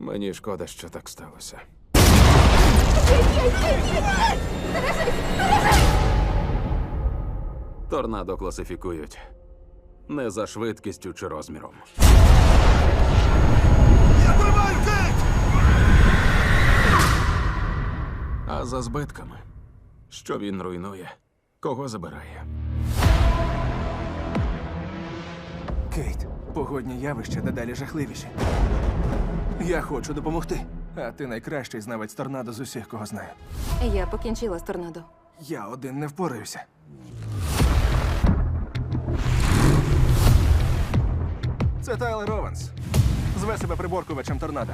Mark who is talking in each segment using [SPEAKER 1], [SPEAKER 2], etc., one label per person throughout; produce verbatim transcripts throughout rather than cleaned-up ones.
[SPEAKER 1] Мені шкода, що так сталося. Торнадо класифікують не за швидкістю чи розміром.
[SPEAKER 2] Я тримаю Кейт!
[SPEAKER 1] А за збитками. Що він руйнує, кого забирає.
[SPEAKER 2] Кейт, погодні явища дедалі жахливіші. Я хочу допомогти. А ти найкращий знавець торнадо з усіх, кого знаю.
[SPEAKER 3] Я покінчила з торнадо.
[SPEAKER 2] Я один не впораюся. Це Тайлер Ованс. Зве себе приборкувачем торнадо.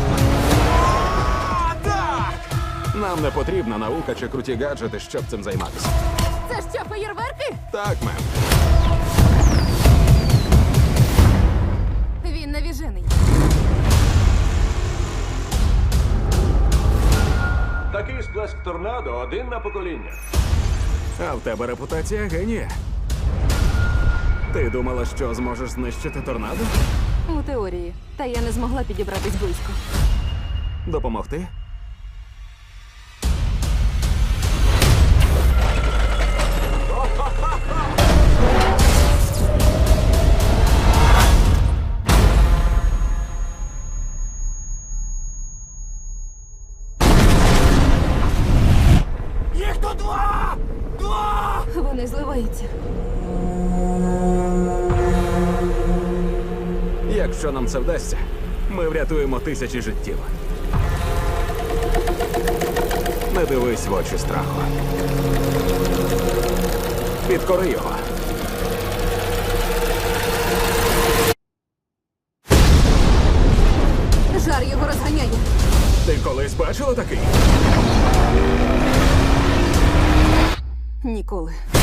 [SPEAKER 1] Нам не потрібна наука чи круті гаджети, щоб цим займатися.
[SPEAKER 3] Це що, феєрверки?
[SPEAKER 1] Так, мем.
[SPEAKER 3] Він навіжений.
[SPEAKER 4] Такий сплеск торнадо один на покоління.
[SPEAKER 1] А в тебе репутація генія. Ти думала, що зможеш знищити торнадо?
[SPEAKER 3] У теорії. Та я не змогла підібратись близько.
[SPEAKER 1] Допомогти?
[SPEAKER 2] Їх тут два! Два!
[SPEAKER 3] Вони зливаються.
[SPEAKER 1] Якщо нам це вдасться, ми врятуємо тисячі життів. Не дивись в очі страху. Підкори його.
[SPEAKER 3] Жар його розганяє.
[SPEAKER 1] Ти колись бачила такий?
[SPEAKER 3] Ніколи.